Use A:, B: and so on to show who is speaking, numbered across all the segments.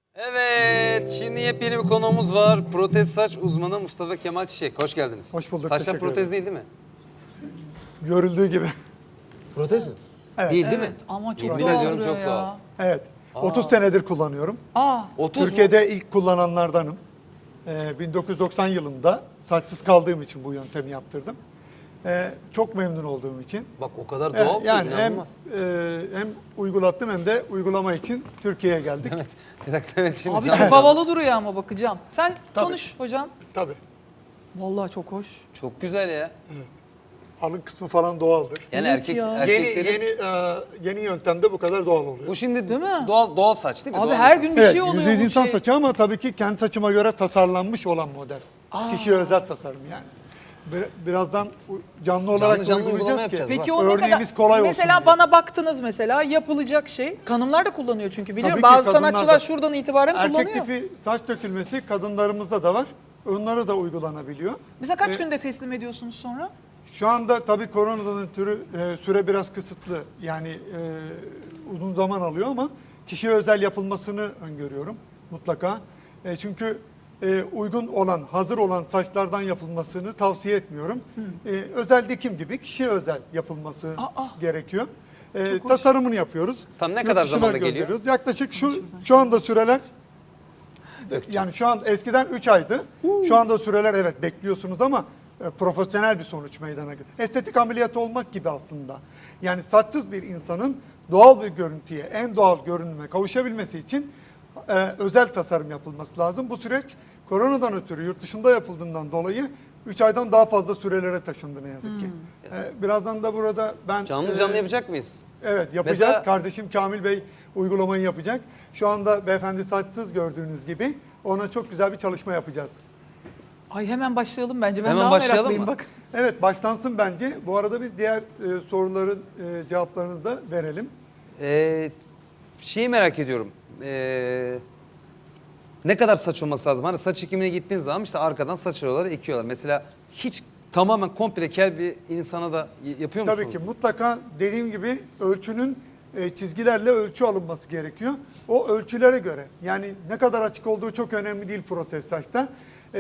A: Evet, şimdi yepyeni bir konuğumuz var. Protez saç uzmanı Mustafa Kemal Çiçek. Hoş geldiniz.
B: Hoş bulduk,
A: Saçlar
B: teşekkür
A: protez
B: ederim.
A: değil mi?
B: Görüldüğü gibi.
A: Protez mi?
B: Evet.
A: Değil mi?
C: Evet ama çok
A: Yemin
C: doğal
A: ediyorum
C: duruyor
A: çok
C: ya.
A: doğal.
B: Evet. 30 senedir kullanıyorum.
A: 30 mu?
B: Türkiye'de ilk kullananlardanım. 1990 yılında saçsız kaldığım için bu yöntemi yaptırdım. Çok memnun olduğum için.
A: Bak o kadar doğal ki
B: Yani
A: inanılmaz.
B: hem uygulattım hem de uygulama için Türkiye'ye geldik.
A: Evet. Bir dakika evet şimdi
C: Abi
A: canlı
C: çok
A: canlı.
C: havalı duruyor ama bakacağım. Sen
B: Tabii.
C: konuş hocam.
B: Tabii.
C: Vallahi çok hoş.
A: Çok güzel ya.
B: Alın kısmı falan doğaldır.
A: Yani
C: Evet ya.
B: Yeni yöntemde bu kadar doğal oluyor.
A: Bu şimdi
C: Değil mi?
A: doğal saç değil mi?
C: Abi
A: Doğal
C: her
A: saç.
C: gün bir
B: Evet,
C: şey oluyor
B: %100
C: bu
B: insan
C: şey.
B: saçı ama tabii ki kendi saçıma göre tasarlanmış olan model. Kişiye özel tasarım yani. Birazdan canlı olarak
A: canlı uygulama
B: uygulayacağız ki.
A: yapacağız.
C: Peki o ne
B: Örneğimiz
C: kadar?
B: kolay olsun
C: Mesela
B: diye.
C: bana baktınız mesela yapılacak şey. Kadınlar da kullanıyor çünkü biliyorum.
B: Tabii ki
C: Bazı
B: kadınlar
C: sanatçılar
B: da.
C: şuradan itibaren
B: Erkek
C: kullanıyor.
B: tipi saç dökülmesi kadınlarımızda da var. Onlara da uygulanabiliyor.
C: Mesela kaç günde teslim ediyorsunuz sonra?
B: Şu anda tabii koronadan ötürü süre biraz kısıtlı. Yani uzun zaman alıyor ama kişiye özel yapılmasını öngörüyorum mutlaka. Çünkü uygun olan, hazır olan saçlardan yapılmasını tavsiye etmiyorum. Özel dikim gibi kişiye özel yapılması gerekiyor. Tasarımını yapıyoruz.
A: Tam ne
B: Yurt
A: kadar
B: dışına
A: zamanda geliyor?
B: gönderiyoruz. Yaklaşık şu anda süreler yani şu an eskiden 3 aydı. Şu anda süreler evet bekliyorsunuz ama profesyonel bir sonuç meydana geliyor. Estetik ameliyat olmak gibi aslında. Yani saçsız bir insanın doğal bir görüntüye, en doğal görünüme kavuşabilmesi için özel tasarım yapılması lazım. Bu süreç koronadan ötürü yurt dışında yapıldığından dolayı 3 aydan daha fazla sürelere taşındı ne yazık ki. Birazdan da burada ben
A: Canlı yapacak mıyız?
B: Evet yapacağız.
A: Mesela-
B: Kardeşim Kamil Bey uygulamayı yapacak. Şu anda beyefendi saçsız gördüğünüz gibi ona çok güzel bir çalışma yapacağız.
C: Ay hemen başlayalım bence. Ben
A: Hemen
C: daha
A: başlayalım
C: meraklıyım
A: mı?
C: bak.
B: Evet başlansın bence. Bu arada biz diğer soruların cevaplarını da verelim.
A: Şeyi merak ediyorum. Ne kadar saç olması lazım? Hani saç ekimine gittiğin zaman işte arkadan saçları ekiyorlar. Mesela hiç tamamen komple kel bir insana da yapıyor musunuz?
B: Tabii ki mutlaka dediğim gibi ölçünün çizgilerle ölçü alınması gerekiyor. O ölçülere göre yani ne kadar açık olduğu çok önemli değil protez saçta.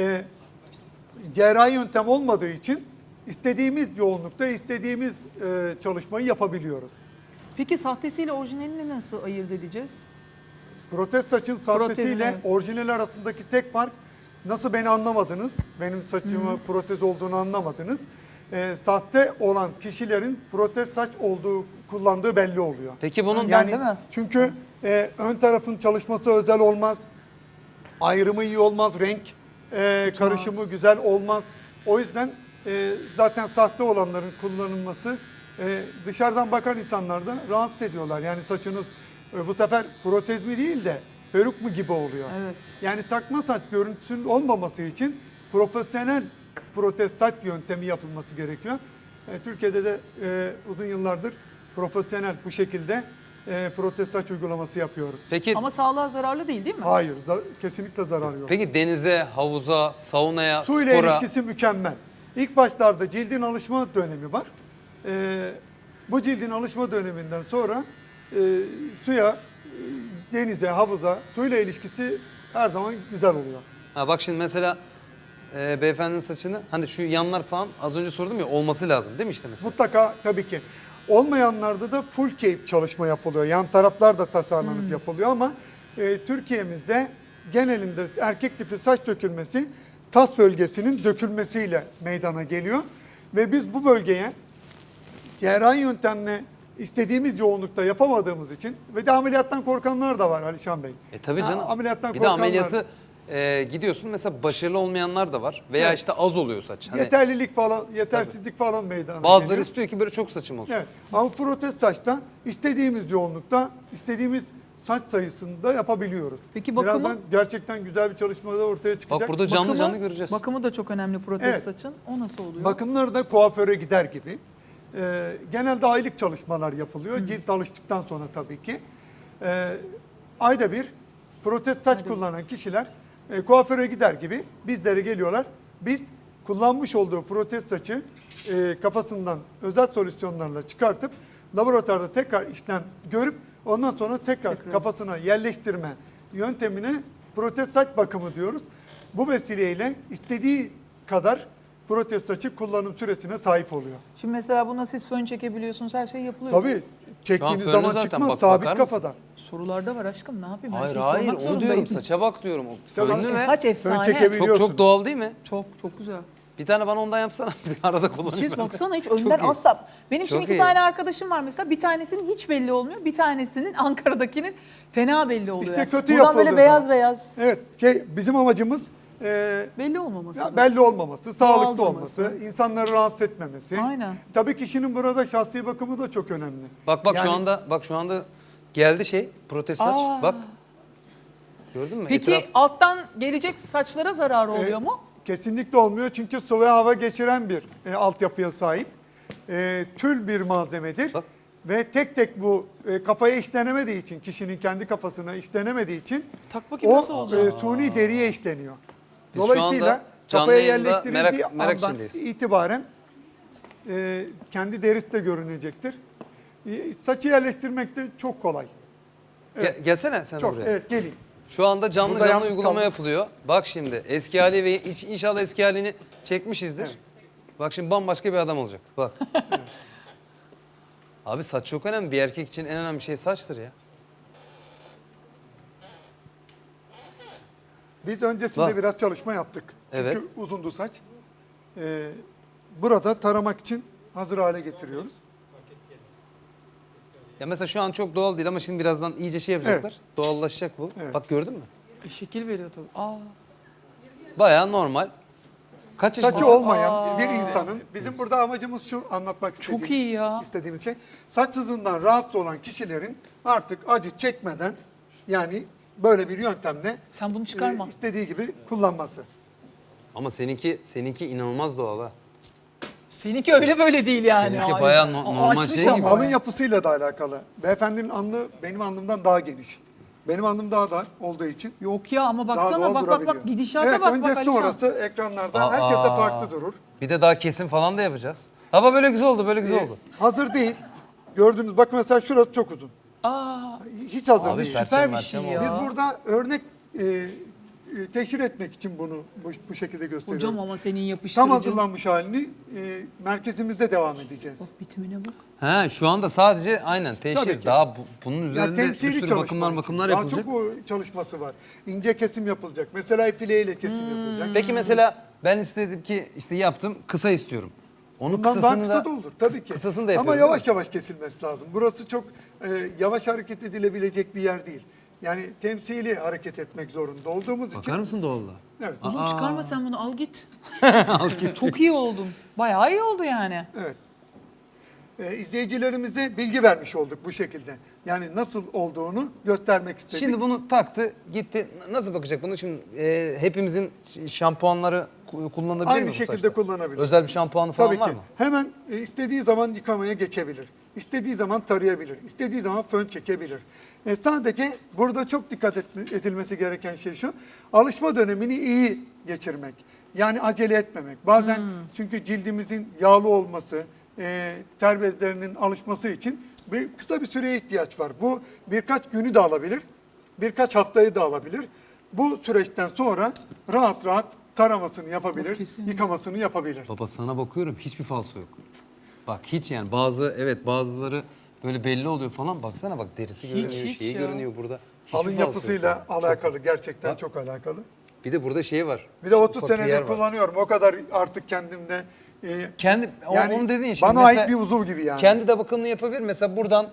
B: Cerrahi yöntem olmadığı için istediğimiz yoğunlukta istediğimiz çalışmayı yapabiliyoruz.
C: Peki sahtesiyle orijinalini nasıl ayırt edeceğiz?
B: Protez saçın sahtesiyle
C: evet.
B: orijinal arasındaki tek fark nasıl beni anlamadınız, benim saçımı protez olduğunu anlamadınız. Sahte olan kişilerin protez saç olduğu kullandığı belli oluyor.
A: Peki bunun
C: Yani- değil mi?
B: Çünkü ön tarafın çalışması özel olmaz, ayrımı iyi olmaz, renk karışımı güzel olmaz. O yüzden zaten sahte olanların kullanılması dışarıdan bakan insanlar da rahatsız ediyorlar. Yani saçınız bu sefer protez mi değil de peruk mu gibi oluyor.
C: Evet.
B: Yani takma saç görüntüsünün olmaması için profesyonel protez saç yöntemi yapılması gerekiyor. Türkiye'de de uzun yıllardır profesyonel bu şekilde protez saç uygulaması yapıyoruz.
A: Peki
C: Ama sağlığa zararlı değil mi?
B: Hayır, kesinlikle zarar yok.
A: peki denize, havuza, saunaya,
B: Su ile
A: spora
B: ilişkisi mükemmel. İlk başlarda cildin alışma dönemi var. Bu cildin alışma döneminden sonra suya, denize, havuza, suyla ilişkisi her zaman güzel oluyor.
A: Ha bak şimdi mesela beyefendinin saçını hani şu yanlar falan az önce sordum ya olması lazım değil mi işte mesela?
B: Mutlaka tabii ki. Olmayanlarda da full cape çalışma yapılıyor. Yan taraflar da tasarlanıp yapılıyor ama Türkiye'mizde genelinde erkek tipi saç dökülmesi tas bölgesinin dökülmesiyle meydana geliyor. Ve biz bu bölgeye cerrahi yöntemle istediğimiz yoğunlukta yapamadığımız için ve de ameliyattan korkanlar da var Alişan Bey.
A: Tabii canım.
B: Ameliyattan
A: bir de
B: korkanlar.
A: ameliyatı gidiyorsun mesela başarılı olmayanlar da var veya
B: Evet.
A: işte az oluyor saç. Hani
B: Yeterlilik falan, yetersizlik falan meydana
A: bazıları
B: geliyor.
A: istiyor ki böyle çok saçım olsun.
B: Evet. Ama protez saçta istediğimiz yoğunlukta, istediğimiz saç sayısında yapabiliyoruz.
C: Peki bakımı?
B: Birazdan gerçekten güzel bir çalışma da ortaya çıkacak.
A: Bak burada canlı
C: Bakımı-
A: canlı göreceğiz.
C: Bakımı da çok önemli protez
B: Evet.
C: saçın. O nasıl oluyor?
B: Bakımları da kuaföre gider gibi. Genelde aylık çalışmalar yapılıyor. Cilt alıştıktan sonra tabii ki. Ayda bir protez saç kullanan kişiler kuaföre gider gibi bizlere geliyorlar. Biz kullanmış olduğu protez saçı kafasından özel solüsyonlarla çıkartıp laboratuvarda tekrar işlem görüp ondan sonra tekrar kafasına yerleştirme yöntemine protez saç bakımı diyoruz. Bu vesileyle istediği kadar protez saçı kullanım süresine sahip oluyor.
C: Şimdi mesela buna siz fön çekebiliyorsunuz, her şey yapılıyor.
B: Tabii çektiğiniz
A: fönlü
B: zaman
A: zaten
B: çıkmaz,
A: bak-
B: sabit
A: bakar mısın?
B: kafadan.
C: Sorularda var aşkım, ne yapayım? Her
A: Hayır
C: şeyi
A: hayır
C: sormak
A: onu
C: zorundayım.
A: diyorum, saça bak diyorum. O
B: Tamam,
A: fönlü ve
C: Saç
B: Fön
C: efsane.
B: çekebiliyorsun.
A: çok doğal değil mi?
C: Çok güzel.
A: Bir tane bana ondan yapsana. Arada kullanayım.
C: Çiz
A: ben de.
C: baksana, hiç önden
A: iyi.
C: asla. Benim şimdi
A: Çok
C: iki
A: iyi.
C: tane arkadaşım var mesela. Bir tanesinin hiç belli olmuyor. Bir tanesinin Ankara'dakinin fena belli oluyor.
B: İşte kötü
C: Buradan böyle
B: yapıldığı
C: beyaz
B: zaman.
C: beyaz.
B: Evet, bizim amacımız
C: Belli olmaması.
B: ya belli olmaması, sağlıklı
C: durması.
B: olması, insanları rahatsız etmemesi.
C: Aynen.
B: Tabii kişinin burada şahsi bakımı da çok önemli.
A: Bak
B: Yani
A: şu anda geldi protez saç.
C: Aa.
A: Bak. Gördün mü?
C: Peki
A: Etraf-
C: alttan gelecek saçlara zararı oluyor mu?
B: Kesinlikle olmuyor çünkü su ve hava geçiren bir altyapıya sahip. Tül bir malzemedir.
A: Bak.
B: Ve tek tek bu kafaya işlenemediği için, kişinin kendi kafasına işlenemediği için
C: Tak bakayım
B: o
C: nasıl olacak?
B: suni deriye işleniyor.
A: Biz şu
B: Dolayısıyla
A: anda canlı
B: kafaya
A: yayında
B: yerleştirildiği
A: merak
B: andan
A: içindeyiz.
B: itibaren kendi derisi de görünecektir. Saçı yerleştirmek de çok kolay.
A: Gelsene sen
B: Çok,
A: buraya.
B: evet geleyim.
A: Şu anda canlı
B: Burada
A: canlı
B: yalnız
A: uygulama
B: kaldım.
A: yapılıyor. Bak şimdi eski hali ve inşallah eski halini çekmişizdir.
B: Evet.
A: Bak şimdi bambaşka bir adam olacak. Bak. Abi saç çok önemli. Bir erkek için en önemli şey saçtır ya.
B: Biz öncesinde
A: Bak.
B: biraz çalışma yaptık.
A: Evet.
B: Çünkü uzundu saç. Burada taramak için hazır hale getiriyoruz.
A: Ya mesela şu an çok doğal değil ama şimdi birazdan iyice şey yapacaklar. Doğallaşacak bu.
B: Evet.
A: Bak gördün mü?
C: Şekil veriyor tabii. Aa.
A: Bayağı normal. Kaç
B: Saçı
A: yaşındasın?
B: olmayan bir insanın, bizim burada amacımız şu, anlatmak istediğimiz,
C: Çok iyi ya.
B: istediğimiz şey, saçsızlığından rahatsız olan kişilerin artık acı çekmeden, yani böyle bir yöntemle
C: Sen bunu çıkarma.
B: istediği gibi kullanması.
A: Ama seninki inanılmaz doğal ha.
C: Seninki öyle böyle değil yani.
A: Seninki
C: Ay,
A: bayağı normal
C: aşmış
A: şey
C: ama
A: gibi.
B: Alın
C: ya.
B: yapısıyla da alakalı. Beyefendinin alnı benim alnımdan daha geniş. Benim alnım daha dar olduğu için
C: Yok ya ama
B: daha
C: baksana
B: doğal
C: bak
B: durabiliyor.
C: gidişata
B: evet,
C: bak
B: önce
C: Alişan.
B: sonrası ekranlarda herkes de farklı durur.
A: Bir de daha kesim falan da yapacağız. Ama böyle güzel oldu, böyle güzel oldu.
B: Hazır değil. Gördüğünüz bak mesela şurası çok uzun.
C: Aa,
B: Hiç hazır
A: Abi
B: değil.
C: süper bir şey
A: Perçem
C: ya.
B: Biz burada örnek teşhir etmek için bunu bu şekilde gösteriyoruz.
C: Hocam ama senin
B: Tam
C: yapıştırıcın.
B: hazırlanmış halini merkezimizde devam edeceğiz.
C: Bak bitimine bak.
A: He şu anda sadece aynen
B: Tabii
A: teşhir.
B: ki.
A: Daha bunun
B: Ya
A: üzerinde bir
B: temsili
A: sürü
B: çalışma
A: bakımlar
B: için.
A: bakımlar
B: Daha
A: yapılacak.
B: çok o çalışması var. İnce kesim yapılacak. Mesela fileyle kesim yapılacak.
A: Peki mesela ben istedim ki işte yaptım kısa istiyorum. Onun
B: Bundan daha
A: kısasını
B: kısa
A: da
B: da olur tabii ki.
A: Kısasını da
B: Ama
A: yapıyoruz.
B: yavaş yavaş kesilmesi lazım. Burası çok yavaş hareket edilebilecek bir yer değil. Yani temsili hareket etmek zorunda olduğumuz için.
A: Bakar mısın doğallığa?
B: Evet.
C: Oğlum çıkarma sen bunu, al git. Çok iyi oldun. Bayağı iyi oldu yani.
B: Evet. İzleyicilerimize bilgi vermiş olduk bu şekilde. Yani nasıl olduğunu göstermek istedik.
A: Şimdi bunu taktı gitti. Nasıl bakacak bunu şimdi hepimizin şampuanları kullanabilir mi
B: Aynı
A: bu
B: şekilde
A: saçta?
B: kullanabilir.
A: Özel bir şampuanı falan
B: Tabii
A: var
B: ki.
A: mı?
B: Hemen istediği zaman yıkamaya geçebilir. İstediği zaman tarayabilir. İstediği zaman fön çekebilir. Sadece burada çok dikkat edilmesi gereken şey şu. Alışma dönemini iyi geçirmek. Yani acele etmemek. Bazen çünkü cildimizin yağlı olması, ter bezlerinin alışması için kısa bir süreye ihtiyaç var. Bu birkaç günü de alabilir. Birkaç haftayı da alabilir. Bu süreçten sonra rahat rahat taramasını yapabilir,
C: Kesinlikle.
B: yıkamasını yapabilir.
A: Baba sana bakıyorum hiçbir falso yok. Bak hiç yani bazıları böyle belli oluyor falan. Baksana bak derisi görünüyor,
C: hiç
A: şeyi
C: ya.
A: görünüyor burada. Hiçbir
B: Alın
A: falso yok
B: yapısıyla
A: yani.
B: alakalı, gerçekten
A: Bak.
B: çok alakalı.
A: Bir de burada şey var.
B: Bir de 30
A: Ufak bir yer
B: senedir
A: var.
B: kullanıyorum. O kadar artık kendimde.
A: Kendi
B: Yani
A: onu dediğin şimdi.
B: bana
A: mesela
B: ait bir uzuv gibi yani.
A: Kendi de bakımını yapabilir. Mesela buradan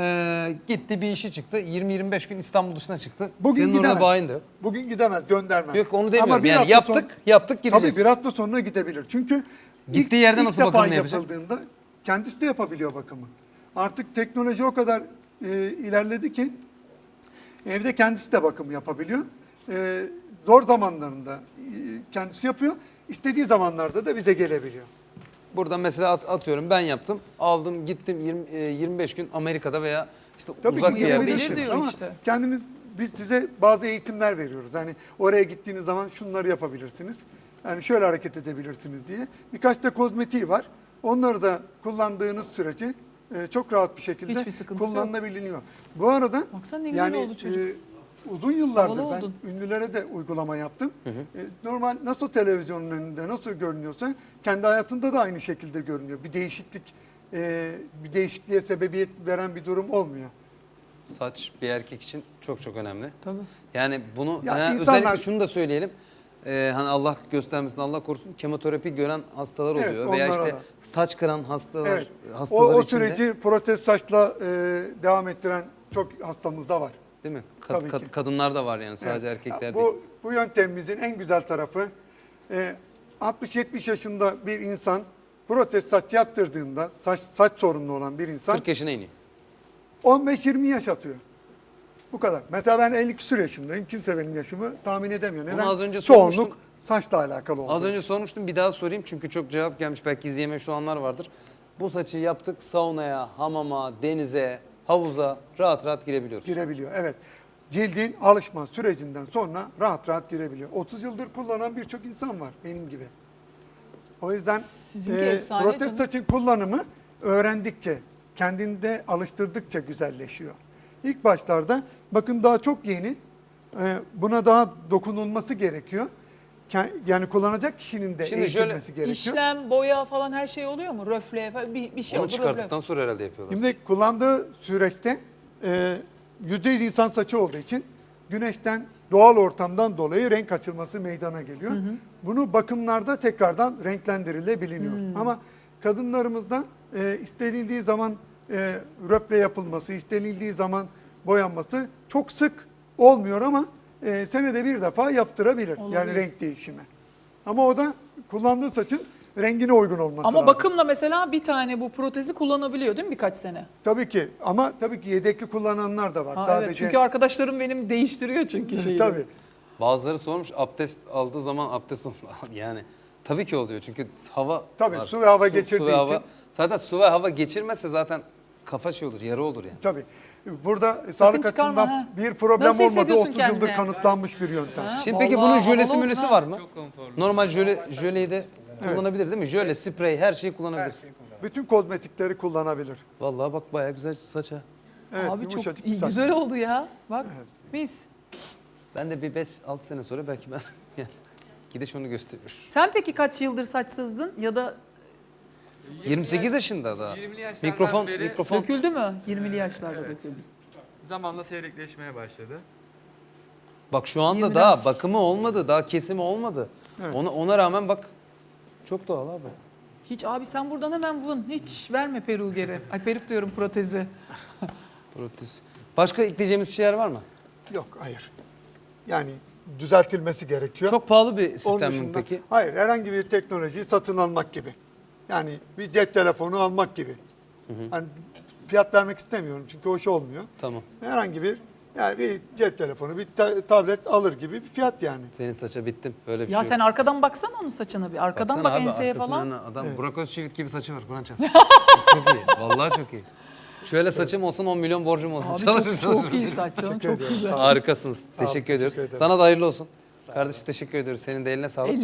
A: gitti bir işi çıktı. 20-25 gün İstanbul dışına çıktı.
B: Bugün
A: Senin
B: gidemez.
A: orada bayin de yok.
B: Bugün gidemez, göndermez.
A: Yok onu
B: Ama
A: demiyorum.
B: bir
A: Yani
B: hafta
A: yaptık gireceğiz.
B: Tabii bir hafta sonra gidebilir. Çünkü
A: Gittiği yerde nasıl
B: defa
A: bakımını yapacak?
B: yapıldığında kendisi de yapabiliyor bakımı. Artık teknoloji o kadar ilerledi ki evde kendisi de bakım yapabiliyor. Zor zamanlarında kendisi yapıyor. İstediği zamanlarda da bize gelebiliyor.
A: Buradan mesela atıyorum ben yaptım. Aldım gittim 25 gün Amerika'da veya işte
B: Tabii
A: uzak
B: ki
A: bir yerde
C: yapabilir
A: işim.
C: diyor
B: ama
C: işte.
B: biz size bazı eğitimler veriyoruz. Hani oraya gittiğiniz zaman şunları yapabilirsiniz. Yani şöyle hareket edebilirsiniz diye. Birkaç da kozmetiği var. Onları da kullandığınız sürece çok rahat bir şekilde
C: Hiçbir sıkıntısı yok.
B: kullanılabiliyor. Bu arada
C: Baksana ne güzel
B: yani
C: oldu çocuk.
B: uzun yıllardır
C: Havalı
B: ben
C: oldun.
B: ünlülere de uygulama yaptım. Normal nasıl televizyonun önünde nasıl görünüyorsa kendi hayatında da aynı şekilde görünüyor. Bir değişikliğe sebebiyet veren bir durum olmuyor.
A: Saç bir erkek için çok çok önemli.
C: Tabii.
A: Yani bunu
B: Ya
A: yani
B: insanlar-
A: özellikle şunu da söyleyelim. Hani Allah göstermesin, Allah korusun, kemoterapi gören hastalar
B: Evet,
A: oluyor veya
B: onlara
A: işte
B: da.
A: saç kıran hastalar
B: Evet.
A: hastalar
B: O
A: için de,
B: süreci protez saçla devam ettiren çok hastamız da var.
A: değil mi?
B: Tabii ki.
A: Kadınlar da var yani, sadece
B: Evet.
A: erkekler değil.
B: Bu yöntemimizin en güzel tarafı 60-70 yaşında bir insan protez saç yaptırdığında saç sorunlu olan bir insan
A: 40 yaşına iniyor.
B: 15-20 yaş atıyor. Bu kadar. Mesela ben 50 küsur yaşındayım. Kimse benim yaşımı tahmin edemiyor. Neden?
A: az önce
B: Çoğunluk
A: sormuştum.
B: saçla alakalı oldu.
A: Az önce sormuştum, bir daha sorayım çünkü çok cevap gelmiş, belki izleyememiş olanlar vardır. Bu saçı yaptık, saunaya, hamama, denize, havuza rahat rahat girebiliyoruz.
B: Girebiliyor. Evet. Cildin alışma sürecinden sonra rahat rahat girebiliyor. 30 yıldır kullanan birçok insan var benim gibi. O yüzden
C: Sizinki efsane
B: protez
C: canım.
B: saçın kullanımı öğrendikçe, kendinde alıştırdıkça güzelleşiyor. İlk başlarda bakın daha çok yeni. Buna daha dokunulması gerekiyor. Yani kullanacak kişinin de
A: Şimdi şöyle,
B: eğitilmesi gerekiyor.
C: İşlem, boya falan her şey oluyor mu? Röfle falan bir şey
A: Onu
C: olur.
A: çıkarttıktan sonra herhalde yapıyorlar.
B: Şimdi kullandığı süreçte %100 insan saçı olduğu için güneşten, doğal ortamdan dolayı renk açılması meydana geliyor. Bunu bakımlarda tekrardan renklendirilebiliyor. Ama kadınlarımızda istenildiği zaman röple yapılması, istenildiği zaman boyanması çok sık olmuyor ama senede bir defa yaptırabilir.
C: Olabilir.
B: Yani renk değişimi. Ama o da kullandığı saçın rengine uygun olması
C: Ama
B: lazım.
C: bakımla mesela bir tane bu protezi kullanabiliyor değil mi birkaç sene?
B: Tabii ki ama tabii ki yedekli kullananlar da var.
C: Ha,
B: Sadece
C: evet, çünkü arkadaşlarım benim değiştiriyor çünkü şeyi.
B: tabii.
A: Bazıları sormuş, abdest aldığı zaman abdest yani tabii ki oluyor çünkü hava
B: Tabii,
A: var.
B: su ve hava
A: Su
B: geçirdiği
A: ve hava.
B: için.
A: Zaten su ve hava geçirmezse zaten kafa şey olur, yara olur yani.
B: Tabii. Burada sağlık
C: çıkarma,
B: açısından
C: ha.
B: bir problem
C: Nasıl
B: olmadı.
C: hissediyorsun
B: 30 yıldır
C: kendini?
B: kanıtlanmış bir yöntem.
C: Ha,
A: Şimdi peki
C: vallahi
A: bunun jölesi
C: havalı
A: mölesi
C: oldu
A: var
C: ha.
A: mı?
D: Çok konforlu.
A: Normal jöleyi de kullanabilir değil mi? Jöle, sprey, her şeyi kullanabilir.
B: Bütün kozmetikleri kullanabilir.
A: Vallahi bak bayağı güzel saç ha.
B: Evet,
C: Abi çok
B: yumuşacık
C: iyi,
B: bir saç.
C: güzel oldu ya. Bak mis.
A: Ben de bir 5-6 sene sonra belki ben yani gidiş onu gösteriyor.
C: Sen peki kaç yıldır saçsızdın ya da
A: 28 yaşında da.
D: 20'li yaşlardan
A: Mikrofon
D: beri
A: mikrofon
C: döküldü mü? 20'li yaşlarda
D: Evet.
C: döküldü.
D: zamanla seyrekleşmeye başladı.
A: bak şu anda
C: 20'den
A: daha bakımı olmadı, daha kesimi olmadı.
B: Evet.
A: Ona rağmen bak çok doğal abi.
C: Hiç abi sen buradan hemen vın. Hiç verme peruğu geri. Ay peruk diyorum protezi.
A: Protez. Başka ekleyeceğimiz şeyler var mı?
B: Yok, hayır. Yani düzeltilmesi gerekiyor.
A: Çok pahalı bir
B: Onun
A: sistem mi
B: dışında-
A: peki?
B: Hayır, herhangi bir teknolojiyi satın almak gibi. Yani bir cep telefonu almak gibi. Hani fiyat vermek istemiyorum çünkü hoş olmuyor.
A: Tamam.
B: Herhangi bir cep telefonu, bir tablet alır gibi bir fiyat yani.
A: Senin saça bittim. Böyle bir
C: Ya
A: şey
C: sen
A: yok.
C: arkadan baksana onun saçına bir. Arkadan
A: Baksana
C: bak
A: abi,
C: enseye
A: arkasından
C: falan.
A: Adam
B: Evet.
A: Burak Özçivit gibi saçı var. Kur'an çarpsın. Çok iyi. Vallahi çok iyi. Şöyle saçım olsun 10 milyon borcum olsun.
C: Abi
A: Çalışır,
C: çok,
A: çalışır.
C: çok iyi saç canım,
B: Teşekkür
C: çok
B: ediyorum.
C: güzel.
A: Harikasınız.
B: olun,
A: Teşekkür ediyoruz.
B: teşekkür ederim.
A: Sana da hayırlı olsun. Kardeşim teşekkür ediyoruz. Senin de eline sağlık.